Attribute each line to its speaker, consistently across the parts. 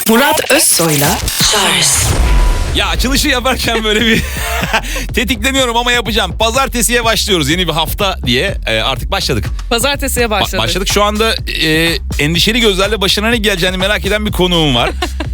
Speaker 1: Murat Özsoy'la Charles.
Speaker 2: Ya açılışı yaparken böyle bir tetikleniyorum ama yapacağım. Pazartesiye başlıyoruz yeni bir hafta diye artık başladık.
Speaker 3: Pazartesiye başladık.
Speaker 2: Başladık şu anda endişeli gözlerle başına ne geleceğini merak eden bir konuğum var.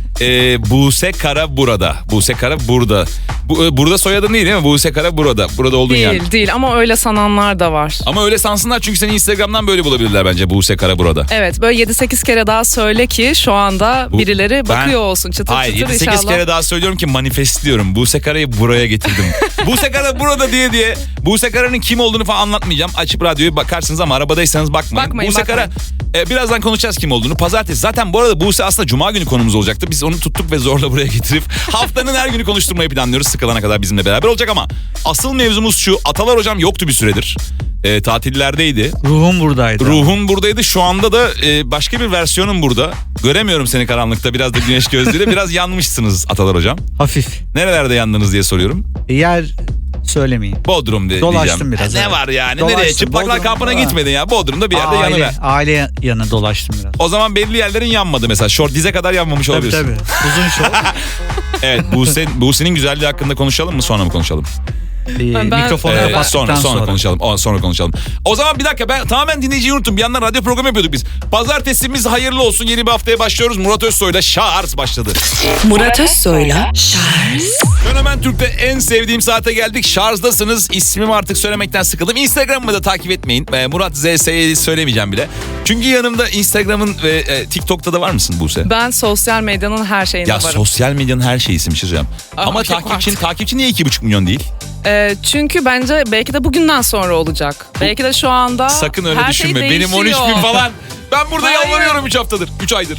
Speaker 2: Buse Kara burada. Buse Kara burada. Burada soyadın değil mi? Buse Kara burada. Burada olduğun yer.
Speaker 3: Değil ama öyle sananlar da var.
Speaker 2: Ama öyle sansınlar çünkü seni Instagram'dan böyle bulabilirler bence Buse Kara burada.
Speaker 3: Evet böyle 7-8 kere daha söyle ki şu anda birileri bakıyor olsun çıtır
Speaker 2: hayır,
Speaker 3: çıtır
Speaker 2: 7-8
Speaker 3: inşallah.
Speaker 2: kere daha söylüyorum ki manifestliyorum. Buse Kara'yı buraya getirdim. Buse Kara burada diye Buse Kara'nın kim olduğunu falan anlatmayacağım. Açıp radyoyu bakarsınız ama arabadaysanız bakmayın. Buse Kara birazdan konuşacağız kim olduğunu. Pazartesi zaten bu arada Buse aslında Cuma günü konumuz olacaktı. Biz onu tuttuk ve zorla buraya getirip haftanın her günü konuşturmayı planlıyoruz. Sıkılana kadar bizimle beraber olacak ama asıl mevzumuz şu. Atalar hocam yoktu bir süredir. Tatillerdeydi.
Speaker 4: Ruhum buradaydı.
Speaker 2: Ruhun buradaydı. Şu anda da başka bir versiyonun burada. Göremiyorum seni karanlıkta. Biraz da güneş gözlüğüyle. Biraz yanmışsınız Atalar hocam.
Speaker 4: Hafif.
Speaker 2: Nerelerde yandınız diye soruyorum.
Speaker 4: Yer söylemeyin.
Speaker 2: Bodrum
Speaker 4: Dolaştım
Speaker 2: diyeceğim.
Speaker 4: biraz,
Speaker 2: Ne
Speaker 4: evet.
Speaker 2: var yani?
Speaker 4: Dolaştım,
Speaker 2: Nereye? Çıplaklar
Speaker 4: Bodrum'da
Speaker 2: kampına
Speaker 4: var.
Speaker 2: gitmedin ya. Bodrum'da bir yerde yanıver.
Speaker 4: Aile yanı dolaştım biraz.
Speaker 2: O zaman belli yerlerin yanmadı mesela. Şort dize kadar yanmamış
Speaker 4: Tabii
Speaker 2: olabilirsin.
Speaker 4: tabii. Uzun şov.
Speaker 2: Evet. Buse'nin güzelliği hakkında konuşalım mı? Sonra mı konuşalım?
Speaker 4: Mikrofonu kapattıktan
Speaker 2: Sonra konuşalım. O zaman bir dakika ben tamamen dinleyiciyi unuttum. Bir yandan radyo programı yapıyorduk biz. Pazartesimiz hayırlı olsun. Yeni bir haftaya başlıyoruz. Murat Özsoy'la Charles başladı.
Speaker 1: Murat Özsoy'la Charles.
Speaker 2: Fenomen Türk'te en sevdiğim saate geldik. Charles'dasınız. İsmimi artık söylemekten sıkıldım. Instagram'ımı da takip etmeyin. Murat ZS'yi söylemeyeceğim bile. Çünkü yanımda Instagram'ın ve TikTok'ta da var mısın Buse?
Speaker 3: Ben sosyal medyanın her şeyinde
Speaker 2: Ya
Speaker 3: varım.
Speaker 2: sosyal medyanın her şeyisi bir şey söyleyeceğim. Ama
Speaker 3: çok
Speaker 2: takipçi niye 2,5 milyon değil?
Speaker 3: Çünkü bence belki de bugünden sonra olacak. Belki de şu anda
Speaker 2: Sakın öyle
Speaker 3: her
Speaker 2: düşünme.
Speaker 3: şey
Speaker 2: Benim 13
Speaker 3: değişiyor.
Speaker 2: bin falan. Ben burada
Speaker 3: Hayır.
Speaker 2: yalvarıyorum 3 haftadır. 3 aydır.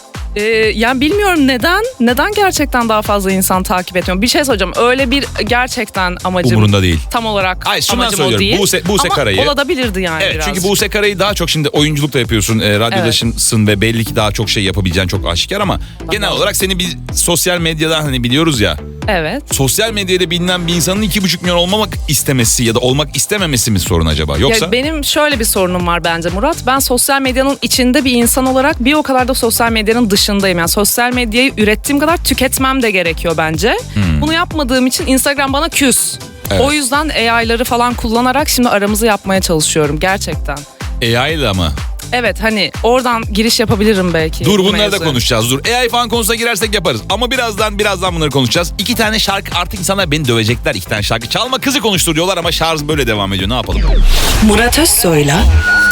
Speaker 3: Yani bilmiyorum neden gerçekten daha fazla insan takip etmiyor. Bir şey söyleyeceğim. Öyle bir gerçekten amacım
Speaker 2: Umurunda değil.
Speaker 3: tam olarak
Speaker 2: Hayır, şundan
Speaker 3: amacım o
Speaker 2: söylüyorum.
Speaker 3: değil.
Speaker 2: Buse
Speaker 3: Ama
Speaker 2: Kara'yı.
Speaker 3: olabilirdi yani
Speaker 2: Evet
Speaker 3: biraz.
Speaker 2: çünkü Buse Kara'yı daha çok şimdi oyunculuk da yapıyorsun. Radyodasın ve belli ki daha çok şey yapabileceğin çok aşikar ama genel olarak seni bir sosyal medyadan hani biliyoruz ya.
Speaker 3: Evet.
Speaker 2: Sosyal medyada bilinen bir insanın 2,5 milyon olmamak istemesi ya da olmak istememesi mi sorun acaba? Yoksa?
Speaker 3: Ya benim şöyle bir sorunum var bence Murat. Ben sosyal medyanın içinde bir insan olarak bir o kadar da sosyal medyanın dışındayım. Yani sosyal medyayı ürettiğim kadar tüketmem de gerekiyor bence. Bunu yapmadığım için Instagram bana küs.
Speaker 2: Evet.
Speaker 3: O yüzden AI'ları falan kullanarak şimdi aramızı yapmaya çalışıyorum gerçekten.
Speaker 2: AI ile ama.
Speaker 3: Evet hani oradan giriş yapabilirim belki.
Speaker 2: Dur
Speaker 3: bu
Speaker 2: bunları da
Speaker 3: mevzu.
Speaker 2: konuşacağız. Dur AI falan konusuna girersek yaparız. Ama birazdan bunları konuşacağız. 2 tane şarkı artık insanlar beni dövecekler 2 tane şarkı. Çalma kızı konuşturuyorlar ama şarj böyle devam ediyor. Ne yapalım?
Speaker 1: Murat Özsoy'la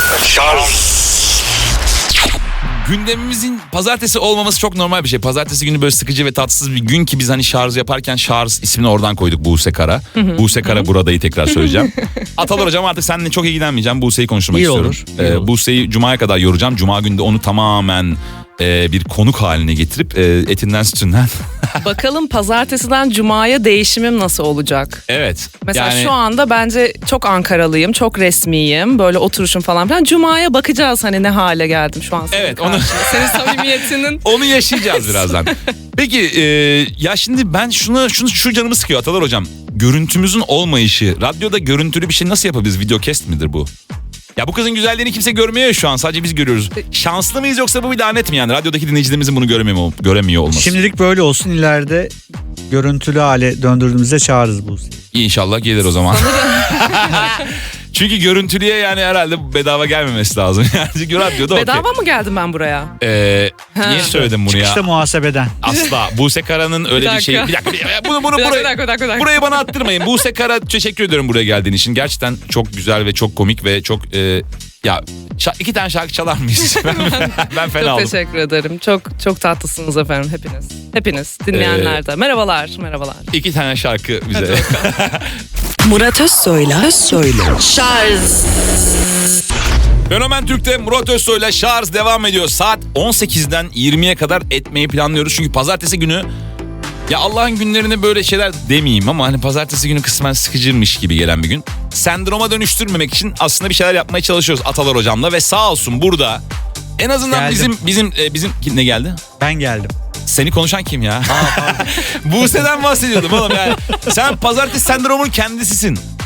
Speaker 2: Gündemimizin pazartesi olmaması çok normal bir şey. Pazartesi günü böyle sıkıcı ve tatsız bir gün ki biz hani şarj yaparken şarj ismini oradan koyduk Buse Kara. Buse Kara buradayı tekrar söyleyeceğim. Atalar hocam artık seninle çok ilgilenmeyeceğim. Buse'yi konuşturmak
Speaker 4: İyi
Speaker 2: istiyorum.
Speaker 4: olur, iyi olur.
Speaker 2: Buse'yi Cuma'ya kadar yoracağım. Cuma günde onu tamamen bir konuk haline getirip etinden sütünden.
Speaker 3: Bakalım pazartesiden cumaya değişimim nasıl olacak?
Speaker 2: Evet.
Speaker 3: Mesela
Speaker 2: yani,
Speaker 3: şu anda bence çok Ankaralıyım, çok resmiyim. Böyle oturuşum falan filan. Cuma'ya bakacağız hani ne hale geldim şu an. Senin
Speaker 2: Evet, onu-
Speaker 3: karşında. Senin samimiyetinin.
Speaker 2: onu yaşayacağız birazdan. Peki ya şimdi ben şu canımı sıkıyor Atalar hocam. Görüntümüzün olmayışı. Radyoda görüntülü bir şey nasıl yapabiliriz? Videocast midir bu? Ya bu kızın güzelliğini kimse görmüyor ya şu an. Sadece biz görüyoruz. Şanslı mıyız yoksa bu bir lanet mi yani? Radyodaki dinleyicilerimizin bunu göremiyor olması.
Speaker 4: Şimdilik böyle olsun, ileride görüntülü hale döndürdüğümüzde çağırırız bu.
Speaker 2: İnşallah gelir o zaman. Çünkü görüntülüye yani herhalde bedava gelmemesi lazım. Yani çünkü radyoda okey.
Speaker 3: Bedava mı geldim ben buraya?
Speaker 2: Niye söyledim bunu ya?
Speaker 4: İşte muhasebeden.
Speaker 2: Asla. Buse Kara'nın öyle bir şeyi... Bir dakika. Bunu
Speaker 3: Bir dakika.
Speaker 2: burayı bana attırmayın. Buse Kara teşekkür ediyorum buraya geldiğin için. Gerçekten çok güzel ve çok komik ve çok... ya 2 tane şarkı çalar mıyız? ben fena
Speaker 3: Çok
Speaker 2: oldum.
Speaker 3: teşekkür ederim. Çok tatlısınız efendim hepiniz. Hepiniz dinleyenler de. Merhabalar.
Speaker 2: 2 tane şarkı bize.
Speaker 1: Murat Özsoy'la Charles.
Speaker 2: Fenomen Türk'te Murat Özsoy'la Şarj devam ediyor. Saat 18'den 20'ye kadar etmeyi planlıyoruz. Çünkü pazartesi günü ya Allah'ın günlerine böyle şeyler demeyeyim ama hani pazartesi günü kısmen sıkıcıymış gibi gelen bir gün. Sendroma dönüştürmemek için aslında bir şeyler yapmaya çalışıyoruz Atalar hocamla ve sağ olsun burada en azından
Speaker 4: Geldim.
Speaker 2: bizim ne geldi?
Speaker 4: Ben geldim.
Speaker 2: Seni konuşan kim ya? Buse'den bahsediyordum oğlum yani. Sen pazartesi sendromunun kendisisin.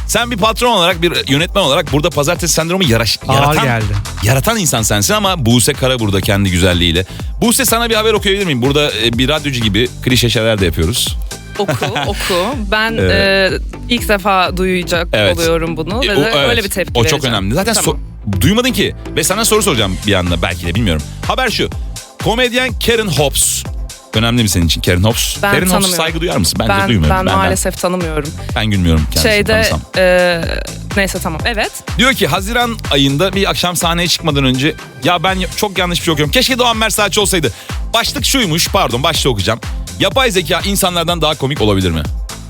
Speaker 2: Sen bir patron olarak, bir yönetmen olarak burada pazartesi sendromu
Speaker 4: Ağır geldi.
Speaker 2: yaratan insan sensin ama Buse Kara burada kendi güzelliğiyle. Buse, sana bir haber okuyabilir miyim? Burada bir radyocu gibi klişe şeyler de yapıyoruz.
Speaker 3: Oku. Ben ilk defa duyacak oluyorum bunu. Ve
Speaker 2: Evet.
Speaker 3: öyle bir tepki
Speaker 2: O
Speaker 3: vereceğim.
Speaker 2: çok önemli. Zaten
Speaker 3: Tamam.
Speaker 2: duymadın ki. Ve sana soru soracağım bir anda, belki de bilmiyorum. Haber şu. Komedyen Karen Hobbs. Önemli mi senin için Karen Hobbs?
Speaker 3: Ben
Speaker 2: Karen Hobbs'a
Speaker 3: tanımıyorum.
Speaker 2: saygı duyar mısın? Bence duymuyorum.
Speaker 3: Ben maalesef tanımıyorum.
Speaker 2: Ben gülmüyorum kendisini tanısam.
Speaker 3: Neyse tamam, evet.
Speaker 2: Diyor ki Haziran ayında bir akşam sahneye çıkmadan önce ya ben çok yanlış bir şey okuyorum. Keşke Doğan Mersaç olsaydı. Başlık şuymuş, başta okuyacağım. Yapay zeka insanlardan daha komik olabilir mi?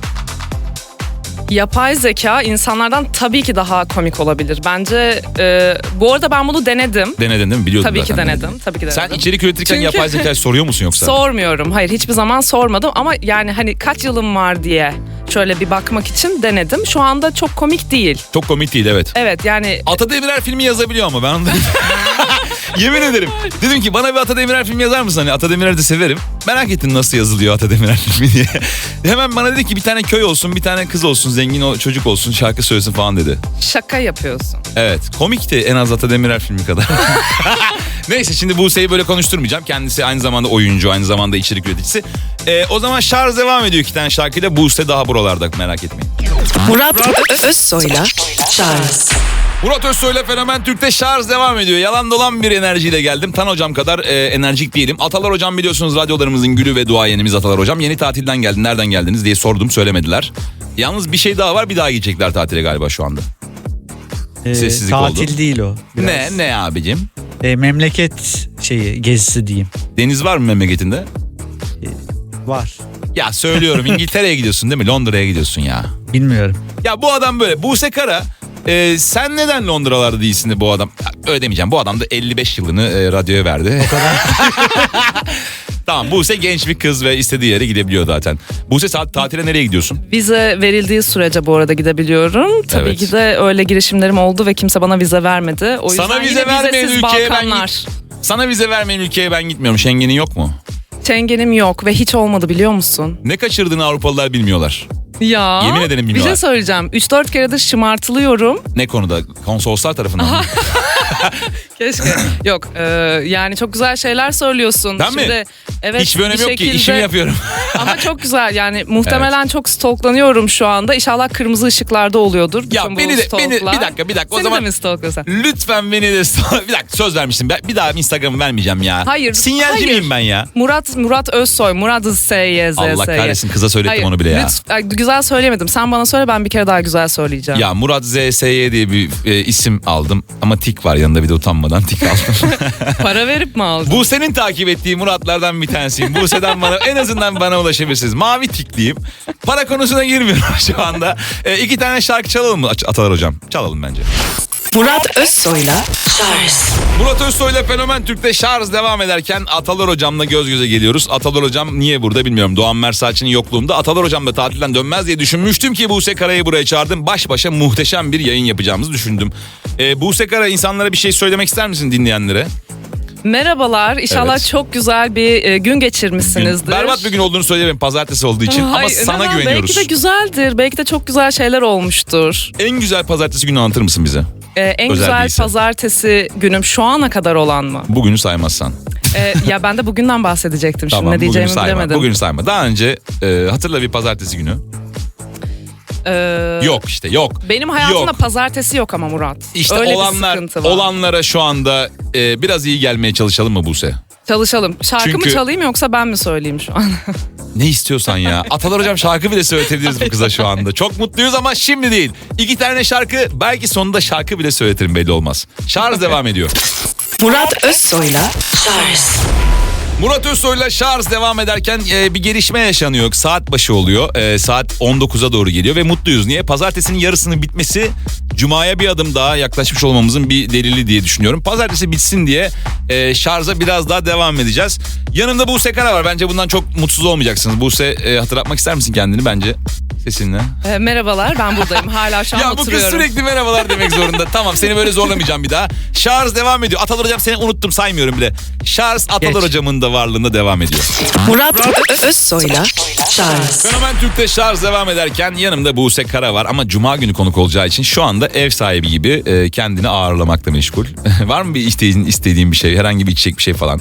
Speaker 3: Yapay zeka insanlardan tabii ki daha komik olabilir. Bence bu arada ben bunu denedim.
Speaker 2: Denedin değil mi? Biliyordum
Speaker 3: Tabii ki
Speaker 2: zaten.
Speaker 3: denedim.
Speaker 2: Sen içerik üretirken
Speaker 3: Çünkü-
Speaker 2: yapay zekayı soruyor musun yoksa?
Speaker 3: Sormuyorum. Hayır, hiçbir zaman sormadım ama yani hani kaç yılım var diye şöyle bir bakmak için denedim. Şu anda çok komik değil.
Speaker 2: Çok komik değil, evet.
Speaker 3: Evet yani
Speaker 2: Ata Demirer filmi yazabiliyor ama ben onu yemin ederim. Dedim ki bana bir Ata Demirer filmi yazar mısın? Hani Ata Demirer'i de severim. Merak ettim nasıl yazılıyor Ata Demirer filmi diye. Hemen bana dedi ki bir tane köy olsun, bir tane kız olsun, zengin o çocuk olsun, şarkı söylesin falan dedi.
Speaker 3: şaka yapıyorsun.
Speaker 2: Evet, komikti en az Ata Demirer filmi kadar. Neyse, şimdi Buse'yi böyle konuşturmayacağım. Kendisi aynı zamanda oyuncu, aynı zamanda içerik üreticisi. O zaman şarj devam ediyor 2 tane şarkıyla. Buse daha buralarda, merak etmeyin.
Speaker 1: Murat Özsoy'la Charles.
Speaker 2: Murat Özsoy'la Fenomen Türk'te şarj devam ediyor. Yalan dolan bir enerjiyle geldim. Tan hocam kadar enerjik değilim. Atalar hocam biliyorsunuz radyolarımızın gülü ve duayenimiz Atalar hocam. Yeni tatilden geldi, nereden geldiniz diye sordum, söylemediler. Yalnız bir şey daha var, bir daha gidecekler tatile galiba şu anda. Sessizlik
Speaker 4: tatil
Speaker 2: oldu.
Speaker 4: değil o. Biraz.
Speaker 2: Ne abicim?
Speaker 4: Memleket gezisi diyeyim.
Speaker 2: Deniz var mı memleketinde?
Speaker 4: Var.
Speaker 2: Ya söylüyorum, İngiltere'ye gidiyorsun değil mi? Londra'ya gidiyorsun ya.
Speaker 4: Bilmiyorum.
Speaker 2: Ya bu adam böyle. Buse Kara, sen neden Londralarda değilsin de bu adam? Öyle demeyeceğim. Bu adam da 55 yılını radyoya verdi. O kadar. Tamam, Buse genç bir kız ve istediği yere gidebiliyor zaten. Buse tatile nereye gidiyorsun?
Speaker 3: Vize verildiği sürece bu arada gidebiliyorum. Tabii
Speaker 2: Evet.
Speaker 3: ki de öyle girişimlerim oldu ve kimse bana vize vermedi. O yüzden
Speaker 2: Sana vize
Speaker 3: yine
Speaker 2: vermeyen
Speaker 3: vizesiz
Speaker 2: ülkeye
Speaker 3: Balkanlar.
Speaker 2: Sana vize vermeyen ülkeye ben gitmiyorum. Schengen'in yok mu?
Speaker 3: Schengen'im yok ve hiç olmadı, biliyor musun?
Speaker 2: Ne kaçırdığını Avrupalılar bilmiyorlar.
Speaker 3: Ya.
Speaker 2: Yemin ederim
Speaker 3: Bir
Speaker 2: bilmiyorlar.
Speaker 3: şey söyleyeceğim. 3-4 keredir şımartılıyorum.
Speaker 2: Ne konuda? Konsoloslar tarafından mı?
Speaker 3: Keşke. Yok. Yani çok güzel şeyler söylüyorsun.
Speaker 2: Ben mi?
Speaker 3: Şimdi, evet,
Speaker 2: Hiçbir önemi yok ki.
Speaker 3: şekilde-
Speaker 2: İşimi yapıyorum.
Speaker 3: Ama çok güzel. Yani muhtemelen çok stalklanıyorum şu anda. İnşallah kırmızı ışıklarda oluyordur.
Speaker 2: Ya
Speaker 3: bütün bu
Speaker 2: beni
Speaker 3: stalklar.
Speaker 2: bir dakika. O
Speaker 3: Seni
Speaker 2: zaman
Speaker 3: de mi stalklasan?
Speaker 2: lütfen beni de bir dakika, söz vermiştim. Bir daha Instagram'ı vermeyeceğim ya.
Speaker 3: Hayır,
Speaker 2: Sinyalci
Speaker 3: hayır.
Speaker 2: miyim ben ya?
Speaker 3: Murat Özsoy. Murat S-Y-Z.
Speaker 2: Allah kahretsin, kıza söylettim onu bile ya.
Speaker 3: Güzel söylemedim. Sen bana söyle, ben bir kere daha güzel söyleyeceğim.
Speaker 2: Ya Murat ZSY diye bir isim aldım ama tik var yanında, bir de utanmadan tik aldım.
Speaker 3: Para verip mi aldın?
Speaker 2: Buse'nin takip ettiği Muratlardan bir tanesiyim. Buse'den en azından bana ulaşabilirsiniz. Mavi tikliyim. Para konusuna girmiyorum şu anda. 2 tane şarkı çalalım mı Atalar hocam? Çalalım bence.
Speaker 1: Murat Özsoy'la Charles.
Speaker 2: Murat Özsoy'la Fenomen Türk'te şarj devam ederken Atalar hocamla göz göze geliyoruz. Atalar hocam niye burada bilmiyorum. Doğan Mersaç'ın yokluğunda Atalar hocam da tatilden dönmez diye düşünmüştüm ki Buse Kara'yı buraya çağırdım. Baş başa muhteşem bir yayın yapacağımızı düşündüm. Buse Kara, insanlara bir şey söylemek ister misin dinleyenlere?
Speaker 3: Merhabalar. İnşallah
Speaker 2: Evet.
Speaker 3: çok güzel bir gün geçirmişsinizdir.
Speaker 2: Berbat bir gün olduğunu söyleyemem, pazartesi olduğu için, ama
Speaker 3: Hayır,
Speaker 2: sana
Speaker 3: neden?
Speaker 2: güveniyoruz.
Speaker 3: Belki de güzeldir. Belki de çok güzel şeyler olmuştur.
Speaker 2: En güzel pazartesi günü anlatır mısın bize?
Speaker 3: En
Speaker 2: Özel
Speaker 3: güzel
Speaker 2: değilse.
Speaker 3: pazartesi günüm şu ana kadar olan mı?
Speaker 2: Bugünü saymazsan.
Speaker 3: Ya ben de bugünden bahsedecektim. Şimdi ne
Speaker 2: bugünü
Speaker 3: diyeceğimi
Speaker 2: sayma.
Speaker 3: bilemedim.
Speaker 2: Bugünü sayma. Daha önce hatırla bir pazartesi günü. Yok işte, yok.
Speaker 3: Benim hayatımda
Speaker 2: Yok.
Speaker 3: pazartesi yok ama Murat.
Speaker 2: İşte
Speaker 3: Öyle bir sıkıntı var.
Speaker 2: olanlara şu anda biraz iyi gelmeye çalışalım mı Buse?
Speaker 3: Çalışalım. Şarkı
Speaker 2: Çünkü-
Speaker 3: mı çalayım yoksa ben mi söyleyeyim şu an?
Speaker 2: Ne istiyorsan ya. Atalar hocam şarkı bile söyletebiliriz bu kıza şu anda. Çok mutluyuz ama şimdi değil. 2 tane şarkı, belki sonunda şarkı bile söyletirim, belli olmaz. Şarj devam ediyor.
Speaker 1: Murat Özsoy'la Charles.
Speaker 2: Murat Özsoy'la şarj devam ederken bir gelişme yaşanıyor. Saat başı oluyor. Saat 19'a doğru geliyor ve mutluyuz. Niye? Pazartesinin yarısının bitmesi Cuma'ya bir adım daha yaklaşmış olmamızın bir delili diye düşünüyorum. Pazartesi bitsin diye şarja biraz daha devam edeceğiz. Yanımda Buse Kara var. Bence bundan çok mutsuz olmayacaksınız. Buse, hatırlatmak ister misin kendini bence sesinle?
Speaker 3: Merhabalar, ben buradayım. Hala şu an
Speaker 2: Ya bu kız
Speaker 3: oturuyorum.
Speaker 2: sürekli merhabalar demek zorunda. Tamam, seni böyle zorlamayacağım bir daha. Şarj devam ediyor. Atalar hocam, seni unuttum, saymıyorum bile. Şarj Atalar
Speaker 4: Geç.
Speaker 2: hocamın da varlığında devam ediyor.
Speaker 1: Murat Özsoy'la Charles.
Speaker 2: Fenomen Türk'te şarj devam ederken yanımda Buse Kara var ama Cuma günü konuk olacağı için şu anda ev sahibi gibi kendini ağırlamakla meşgul. Var mı bir istediğin bir şey, herhangi bir içecek bir şey falan?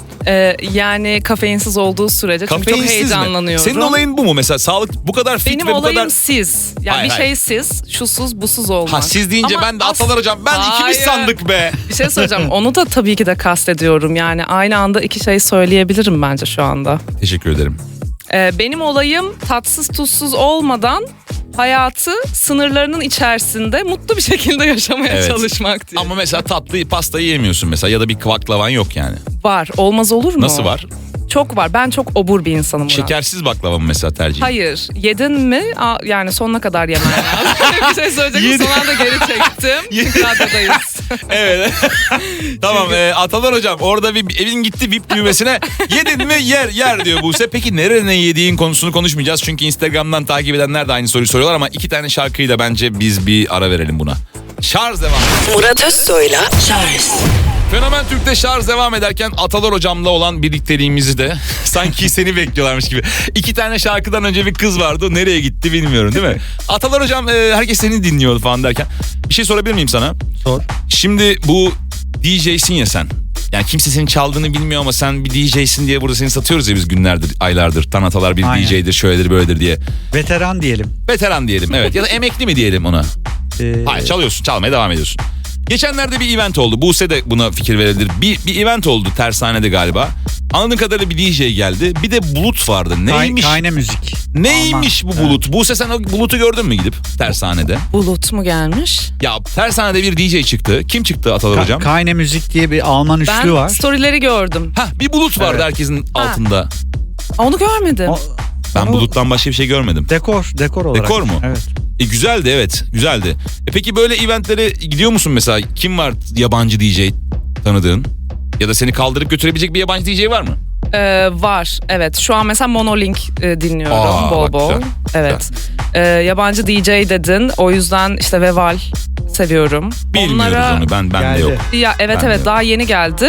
Speaker 3: Yani kafeinsiz olduğu sürece çünkü çok heyecanlanıyorum.
Speaker 2: Senin olayın bu mu mesela? Sağlık bu kadar fit
Speaker 3: Benim
Speaker 2: ve bu
Speaker 3: olayım
Speaker 2: kadar...
Speaker 3: siz. Yani
Speaker 2: Hayır,
Speaker 3: bir
Speaker 2: hayır.
Speaker 3: şey siz, şusuz, busuz olmak.
Speaker 2: Ha siz deyince
Speaker 3: Ama
Speaker 2: ben de Atalar hocam ben ikimiz
Speaker 3: Hayır.
Speaker 2: sandık be.
Speaker 3: Bir şey söyleyeceğim. Onu da tabii ki de kastediyorum. Yani aynı anda iki şey söyleyebilirim bence şu anda.
Speaker 2: Teşekkür ederim.
Speaker 3: Benim olayım tatsız tuzsuz olmadan hayatı sınırlarının içerisinde mutlu bir şekilde yaşamaya
Speaker 2: Evet.
Speaker 3: çalışmak diye.
Speaker 2: Ama mesela tatlı pasta yiyemiyorsun mesela ya da bir baklavan yok yani.
Speaker 3: Var. Olmaz olur mu?
Speaker 2: Nasıl var?
Speaker 3: Çok var. Ben çok obur bir insanım Murat.
Speaker 2: Şekersiz baklava mı mesela tercih?
Speaker 3: Hayır. Yedin mi? Yani sonuna kadar yemen lazım. Bir şey söyleyecektim. Son anda geri çektim. Çünkü radyodayız.
Speaker 2: Evet. Tamam Atalar hocam orada bir evin gitti VIP düğmesine yedin mi yer diyor Buse. Peki nerede ne yediğin konusunu konuşmayacağız. Çünkü Instagram'dan takip edenler de aynı soruyu soruyorlar ama 2 tane şarkıyla bence biz bir ara verelim buna. Şarj devam.
Speaker 1: Murat Özsoy'la Charles.
Speaker 2: Fenomen Türk'te şarj devam ederken Atalar hocamla olan birlikteliğimizi de sanki seni bekliyorlarmış gibi. 2 tane şarkıdan önce bir kız vardı. O nereye gitti bilmiyorum değil mi? Atalar hocam herkes seni dinliyor falan derken. Bir şey sorabilir miyim sana?
Speaker 4: Sor.
Speaker 2: Şimdi bu DJ'sin ya sen. Yani kimse senin çaldığını bilmiyor ama sen bir DJ'sin diye burada seni satıyoruz ya biz günlerdir, aylardır. Tanatalar bir
Speaker 4: Aynen.
Speaker 2: DJ'dir, şöyledir, böyledir diye.
Speaker 4: Veteran diyelim.
Speaker 2: Veteran diyelim evet ya da emekli mi diyelim ona?
Speaker 4: Ee,
Speaker 2: Hayır çalıyorsun, çalmaya devam ediyorsun. Geçenlerde bir event oldu. Buse de buna fikir verebilir. Bir event oldu tersanede galiba. Anladığım kadarıyla bir DJ geldi. Bir de bulut vardı. Neymiş?
Speaker 4: Kayne müzik.
Speaker 2: Neymiş
Speaker 4: Alman.
Speaker 2: bu bulut? Buse sen o bulutu gördün mü gidip tersanede?
Speaker 3: Bulut mu gelmiş?
Speaker 2: Ya tersanede bir DJ çıktı. Kim çıktı Atalar hocam?
Speaker 4: Kayne müzik diye bir Alman üçlü
Speaker 3: Ben
Speaker 4: var.
Speaker 3: storyleri gördüm.
Speaker 2: Hah bir bulut vardı
Speaker 4: Evet.
Speaker 2: herkesin altında.
Speaker 3: Onu görmedim.
Speaker 2: Ben buluttan başka bir şey görmedim.
Speaker 4: Dekor olarak.
Speaker 2: Dekor mu?
Speaker 4: Evet.
Speaker 2: Güzeldi evet güzeldi. Peki böyle eventlere gidiyor musun mesela? Kim var yabancı DJ tanıdığın? Ya da seni kaldırıp götürebilecek bir yabancı DJ var mı?
Speaker 3: Var. Evet. Şu an mesela Monolink dinliyorum
Speaker 2: Aa,
Speaker 3: bol
Speaker 2: bak
Speaker 3: bol.
Speaker 2: güzel,
Speaker 3: Evet. Yabancı DJ dedin. O yüzden işte Veval seviyorum.
Speaker 2: Bilmiyoruz onu ben de
Speaker 4: Geldi.
Speaker 2: yok.
Speaker 3: Ya evet
Speaker 2: Ben de
Speaker 3: evet
Speaker 2: yok.
Speaker 3: daha yeni geldi.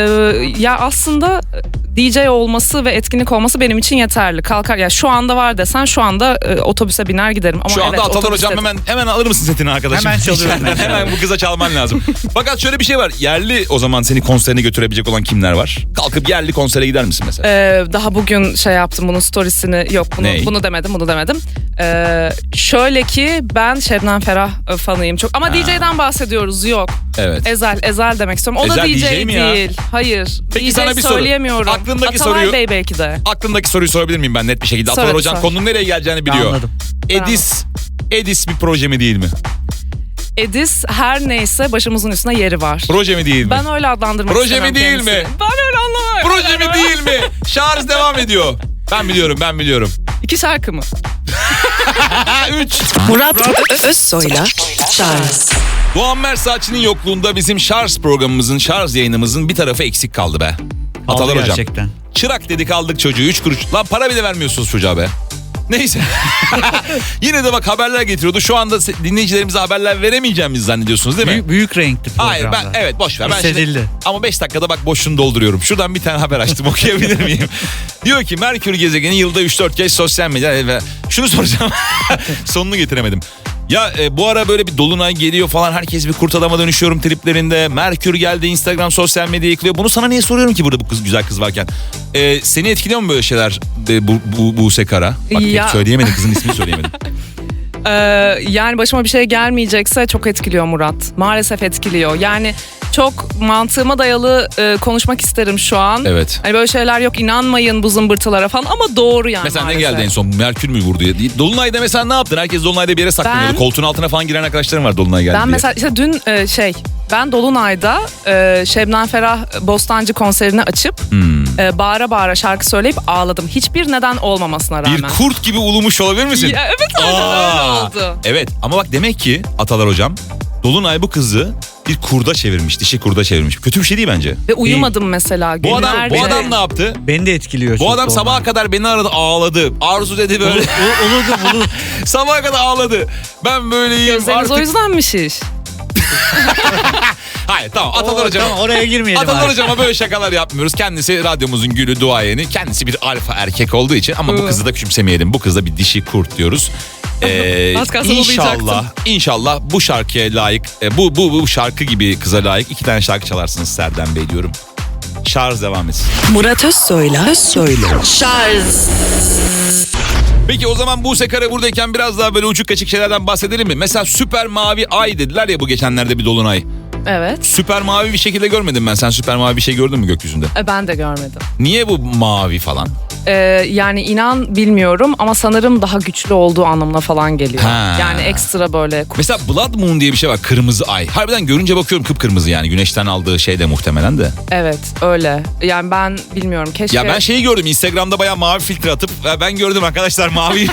Speaker 3: Ya aslında DJ olması ve etkinlik olması benim için yeterli. Kalkar ya şu anda var desen şu anda otobüse biner giderim. Ama
Speaker 2: Şu anda
Speaker 3: evet,
Speaker 2: Atalar
Speaker 3: otobüste-
Speaker 2: hocam hemen alır mısın setini arkadaşım?
Speaker 4: Hemen çalıyorum.
Speaker 2: Hemen bu kıza çalman lazım. Fakat şöyle bir şey var. Yerli o zaman seni konserine götürebilecek olan kimler var? Kalkıp yerli konsere gider misin mesela?
Speaker 3: Daha bugün şey yaptım bunun storiesini yok
Speaker 2: Ney?
Speaker 3: bunu demedim. Şöyle ki ben Şebnem Ferah fanıyım çok ama DJ'den bahsediyoruz yok.
Speaker 2: Evet.
Speaker 3: Ezel demek istiyorum. O da
Speaker 2: Ezel
Speaker 3: DJ,
Speaker 2: DJ mi ya?
Speaker 3: değil. Hayır.
Speaker 2: Peki
Speaker 3: DJ
Speaker 2: sana bir soru.
Speaker 3: söyleyemiyorum.
Speaker 2: Aklındaki
Speaker 3: Atalay
Speaker 2: soruyu-
Speaker 3: Bey belki de.
Speaker 2: Aklındaki soruyu sorabilir miyim ben net bir şekilde?
Speaker 3: Sor,
Speaker 2: Atalar hocam
Speaker 3: sor.
Speaker 2: konunun nereye geleceğini biliyor.
Speaker 4: Anladım.
Speaker 2: Edis bir proje mi değil mi?
Speaker 3: Edis her neyse başımızın üstüne yeri var.
Speaker 2: Proje mi değil mi?
Speaker 3: Ben öyle adlandırmak
Speaker 2: Proje
Speaker 3: istemem
Speaker 2: mi değil
Speaker 3: kendisini.
Speaker 2: mi?
Speaker 3: Ben öyle anlamam.
Speaker 2: Proje mi değil mi? Şarj devam ediyor. Ben biliyorum.
Speaker 3: 2 şarkı mı?
Speaker 2: 3.
Speaker 1: Murat Özsoy'la Charles.
Speaker 2: Doğan Mersaç'ın yokluğunda bizim şarj programımızın, şarj yayınımızın bir tarafı eksik kaldı be. Atalar
Speaker 4: Aldı
Speaker 2: hocam.
Speaker 4: gerçekten.
Speaker 2: Çırak dedik aldık çocuğu 3 kuruş. Lan para bile vermiyorsunuz çocuğa be. Neyse. Yine de bak haberler getiriyordu. Şu anda dinleyicilerimize haberler veremeyeceğimizi zannediyorsunuz değil mi?
Speaker 4: Büyük renkli programda.
Speaker 2: Hayır evet boş ver. Ben şimdi,
Speaker 4: Hissedildi.
Speaker 2: ama 5 dakikada bak boşluğunu dolduruyorum. Şuradan bir tane haber açtım okuyabilir miyim? Diyor ki Merkür gezegeni yılda 3-4 kez sosyal medya ve şunu soracağım. Sonunu getiremedim. Ya bu ara böyle bir dolunay geliyor falan herkes bir kurt adama dönüşüyorum triplerinde. Merkür geldi Instagram sosyal medya yıkılıyor. Bunu sana niye soruyorum ki burada bu kız güzel kız varken? Seni etkiliyor mu böyle şeyler Buse Kara? Bak
Speaker 3: Ya.
Speaker 2: söyleyemedim kızın ismini söyleyemedim.
Speaker 3: Yani başıma bir şey gelmeyecekse çok etkiliyor Murat. Maalesef etkiliyor. Yani çok mantığıma dayalı konuşmak isterim şu an.
Speaker 2: Evet.
Speaker 3: Hani böyle şeyler yok inanmayın bu zımbırtılara falan ama doğru yani
Speaker 2: Mesela
Speaker 3: maalesef.
Speaker 2: ne geldi en son? Merkür mü vurdu? Dolunay'da mesela ne yaptın? Herkes Dolunay'da bir yere saklanıyordu.
Speaker 3: Ben-
Speaker 2: Koltuğun altına falan giren arkadaşlarım var Dolunay geldi
Speaker 3: Ben
Speaker 2: diye.
Speaker 3: mesela işte dün ben Dolunay'da Şebnem Ferah Bostancı konserini açıp bağıra bağıra şarkı söyleyip ağladım. Hiçbir neden olmamasına rağmen.
Speaker 2: Bir kurt gibi ulumuş olabilir misin?
Speaker 3: Ya, evet aynen öyle oldu.
Speaker 2: Evet ama bak demek ki Atalar hocam Dolunay bu kızı bir kurda çevirmiş, dişi kurda çevirmiş. Kötü bir şey değil bence.
Speaker 3: Ve uyumadım mesela
Speaker 2: Bu adam
Speaker 3: günlerce.
Speaker 2: ne yaptı?
Speaker 4: Beni de etkiliyor.
Speaker 2: Bu
Speaker 4: çok
Speaker 2: adam
Speaker 4: doğru.
Speaker 2: sabaha kadar beni aradı ağladı. Arzu dedi böyle.
Speaker 4: Uludum.
Speaker 2: Sabaha kadar ağladı. Ben böyleyim
Speaker 3: Gözleriniz
Speaker 2: artık.
Speaker 3: o yüzden mi şiş?
Speaker 2: Hayır tamam Atalar Hocam.
Speaker 4: Tamam, oraya girmeyelim.
Speaker 2: Atalar
Speaker 4: abi.
Speaker 2: Hocam'a böyle şakalar yapmıyoruz. Kendisi radyomuzun gülü, duayeni. Kendisi bir alfa erkek olduğu için ama bu kızı da küçümsemeyelim. Bu kız da bir dişi kurt diyoruz.
Speaker 3: Az kalsın
Speaker 2: İnşallah bu şarkıya layık, bu şarkı gibi kıza layık 2 tane şarkı çalarsınız Serdar Bey diyorum. Şarj devam etsin.
Speaker 1: Murat Özsoy'la Şarj.
Speaker 2: Peki o zaman Buse Kara buradayken biraz daha böyle uçuk kaçık şeylerden bahsedelim mi? Mesela süper mavi ay dediler ya bu geçenlerde bir dolunay.
Speaker 3: Evet.
Speaker 2: Süper mavi bir şekilde görmedim ben. Sen süper mavi bir şey gördün mü gökyüzünde?
Speaker 3: Ben de görmedim.
Speaker 2: Niye bu mavi falan?
Speaker 3: Yani inan bilmiyorum ama sanırım daha güçlü olduğu anlamına falan geliyor.
Speaker 2: Ha.
Speaker 3: Yani ekstra böyle.
Speaker 2: Mesela Blood Moon diye bir şey var. Kırmızı ay. Harbiden görünce bakıyorum kıpkırmızı yani. Güneşten aldığı şey de muhtemelen de.
Speaker 3: Evet öyle. Yani ben bilmiyorum keşke.
Speaker 2: Ya ben şeyi gördüm. Instagram'da bayağı mavi filtre atıp ben gördüm arkadaşlar mavi.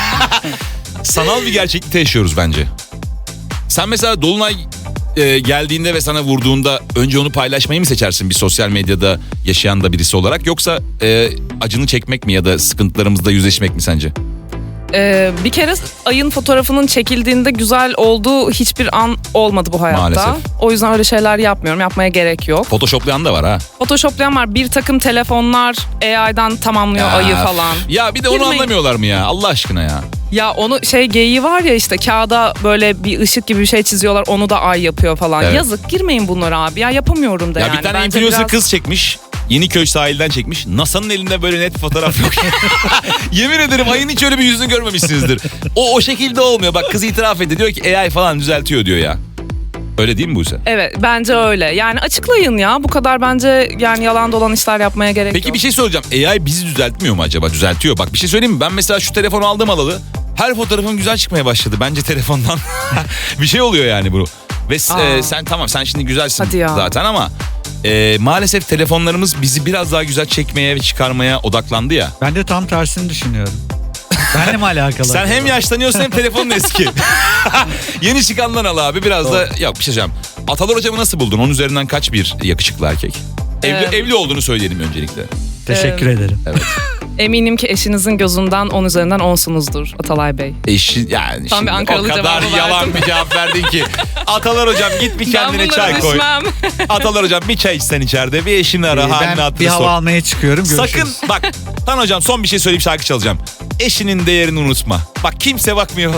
Speaker 2: Sanal bir gerçeklikte yaşıyoruz bence. Sen mesela dolunay geldiğinde ve sana vurduğunda önce onu paylaşmayı mı seçersin bir sosyal medyada yaşayan da birisi olarak, yoksa acını çekmek mi ya da sıkıntılarımızla yüzleşmek mi sence?
Speaker 3: Bir kere ayın fotoğrafının çekildiğinde güzel olduğu hiçbir an olmadı bu hayatta.
Speaker 2: Maalesef.
Speaker 3: O yüzden öyle şeyler yapmıyorum. Yapmaya gerek yok.
Speaker 2: Photoshoplayan da var ha.
Speaker 3: Photoshoplayan var. Bir takım telefonlar AI'dan tamamlıyor ayı falan.
Speaker 2: Ya bir de onu
Speaker 3: Girmeyin.
Speaker 2: anlamıyorlar mı ya Allah aşkına ya?
Speaker 3: Ya onu geyiği var ya işte kağıda böyle bir ışık gibi bir şey çiziyorlar. Onu da ay yapıyor falan.
Speaker 2: Evet.
Speaker 3: Yazık girmeyin bunlara abi. Ya yapamıyorum da
Speaker 2: Ya
Speaker 3: yani.
Speaker 2: bir tane
Speaker 3: Bence
Speaker 2: influencer
Speaker 3: biraz-
Speaker 2: kız çekmiş. Yeniköy sahilden çekmiş. NASA'nın elinde böyle net fotoğraf yok. Yemin ederim ayın hiç öyle bir yüzünü görmemişsinizdir. O şekilde olmuyor. Bak kız itiraf ediyor. Diyor ki AI falan düzeltiyor diyor ya. Öyle değil mi Buse?
Speaker 3: Evet bence öyle. Yani açıklayın ya. Bu kadar bence yani yalan dolan işler yapmaya gerek
Speaker 2: Peki
Speaker 3: yok.
Speaker 2: bir şey soracağım. AI bizi düzeltmiyor mu acaba? Düzeltiyor. Bak bir şey söyleyeyim mi? Ben mesela şu telefonu aldım alalı. Her fotoğrafım güzel çıkmaya başladı. Bence telefondan bir şey oluyor yani bu. Ve sen tamam sen şimdi güzelsin
Speaker 3: Hadi ya.
Speaker 2: zaten ama maalesef telefonlarımız bizi biraz daha güzel çekmeye ve çıkarmaya odaklandı ya.
Speaker 4: Ben de tam tersini düşünüyorum. Benle mi alakalı?
Speaker 2: Sen hem yaşlanıyorsun hem telefonun eski. Yeni çıkandan al abi biraz da yok bir şey söyleyeceğim. Atalar Hocam'ı nasıl buldun? Onun üzerinden kaç bir yakışıklı erkek? Evli olduğunu söyleyelim öncelikle.
Speaker 4: Teşekkür ederim.
Speaker 2: Evet.
Speaker 3: Eminim ki eşinizin gözünden 10 üzerinden 10'sunuzdur Atalay Bey.
Speaker 2: Eşi yani
Speaker 3: Tam
Speaker 2: şimdi
Speaker 3: bir Ankaralı
Speaker 2: o kadar
Speaker 3: cevabı
Speaker 2: yalan
Speaker 3: verdim.
Speaker 2: bir cevap verdin ki. Atalar Hocam git bir kendine
Speaker 3: Ben bunlara
Speaker 2: çay koy.
Speaker 3: düşmem.
Speaker 2: Atalar Hocam bir çay içsen içeride bir eşini ara halini
Speaker 4: Ben
Speaker 2: hatırını
Speaker 4: bir hava
Speaker 2: sor.
Speaker 4: almaya çıkıyorum. Görüşürüz.
Speaker 2: Sakın bak Tan Hocam son bir şey söyleyip şarkı çalacağım. Eşinin değerini unutma. Bak kimse bakmıyor.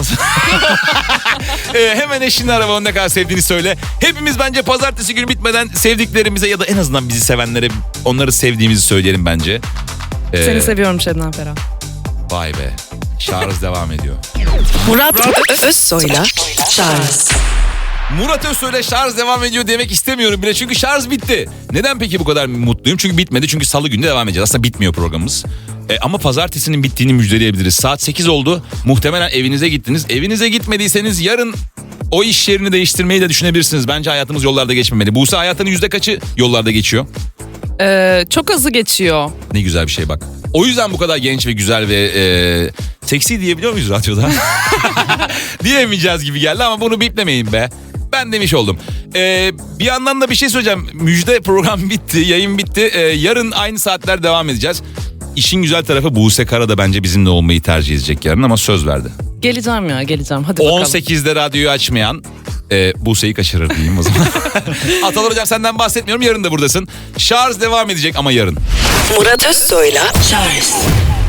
Speaker 2: Hemen eşini ara ve onu ne kadar sevdiğini söyle. Hepimiz bence pazartesi günü bitmeden sevdiklerimize ya da en azından bizi sevenlere onları sevdiğimizi söyleyelim bence.
Speaker 3: Seni seviyorum Şebnem Ferah.
Speaker 2: Vay be. Şarj devam ediyor.
Speaker 1: Murat Özsoy'la Şarj.
Speaker 2: Murat Özsoy'la şarj devam ediyor demek istemiyorum bile çünkü şarj bitti. Neden peki bu kadar mutluyum? Çünkü bitmedi, çünkü salı günü devam edeceğiz. Aslında bitmiyor programımız. Ama pazartesinin bittiğini müjdeleyebiliriz. Saat 8 oldu. Muhtemelen evinize gittiniz. Evinize gitmediyseniz yarın o iş yerini değiştirmeyi de düşünebilirsiniz. Bence hayatımız yollarda geçmemeli. Buse hayatının yüzde kaçı yollarda geçiyor?
Speaker 3: Çok hızlı geçiyor.
Speaker 2: Ne güzel bir şey bak. O yüzden bu kadar genç ve güzel ve seksi diyebiliyor muyuz radyoda? Diyemeyeceğiz gibi geldi ama bunu biplemeyin be. Ben demiş oldum. Bir yandan da bir şey söyleyeceğim. Müjde program bitti, yayın bitti. Yarın aynı saatler devam edeceğiz. İşin güzel tarafı Buse Kara da bence bizimle olmayı tercih edecek yarın ama söz verdi.
Speaker 3: Geleceğim hadi bakalım.
Speaker 2: 18'de radyoyu açmayan Buse'yi kaçırır diyeyim o zaman. Atalar Hocam senden bahsetmiyorum, yarın da buradasın. Şarj devam edecek ama yarın.
Speaker 1: Murat Özsoy'la Şarj.